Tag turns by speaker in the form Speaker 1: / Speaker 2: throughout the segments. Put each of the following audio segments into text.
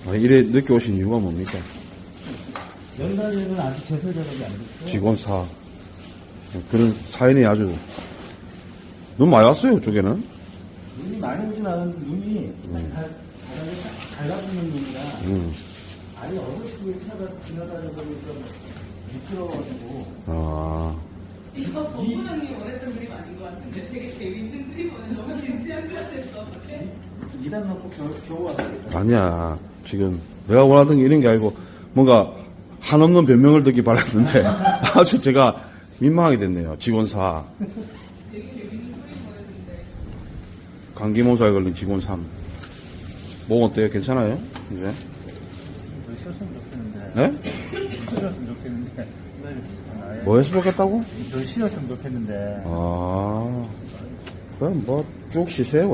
Speaker 1: 아, 이래 늦게 오신 이유가 뭡니까?
Speaker 2: 연단에는 아직 제설 작업이 안 됐어요.
Speaker 1: 직원사. 그런 사연이 아주. 눈 많이 왔어요, 이쪽에는?
Speaker 2: 눈이 많이 오진 않았는데 눈이 달라붙는 눈이라 아예 어설프게 차가 지나다니다 보니까 미끄러워가지고.
Speaker 1: 아.
Speaker 3: 이거 법무장님 원했던 그림 아닌 것 같은데 되게 재밌는 그림 오늘 너무 진지한 것 같았어. 어떡해?
Speaker 2: 2단 넣고 겨우 왔어요.
Speaker 1: 아니야. 지금 내가 원하던 게 이런 게 아니고 뭔가 한없는 변명을 듣기 바랐는데 아주 제가 민망하게 됐네요. 직원사.
Speaker 3: 되게 재밌는 그림 보냈는데.
Speaker 1: 감기 몸살에 걸린 직원 3. 몸 어때요? 괜찮아요? 이제?
Speaker 2: 더 쉬었으면 좋겠는데.
Speaker 1: 네?
Speaker 2: 더 쉬었으면 좋겠는데.
Speaker 1: 뭐 해서 좋겠다고?
Speaker 2: 더 쉬었으면 좋겠는데.
Speaker 1: 아, 그럼 뭐 쭉 쉬세요.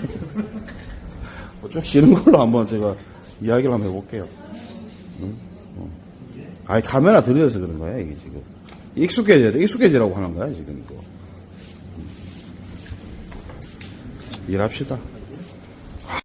Speaker 1: 쭉 쉬는 걸로 한번 제가 이야기를 한번 해볼게요. 응? 아니, 카메라 들여서 그런 거야, 이게 지금. 익숙해지라고 하는 거야, 지금 이거. 일합시다.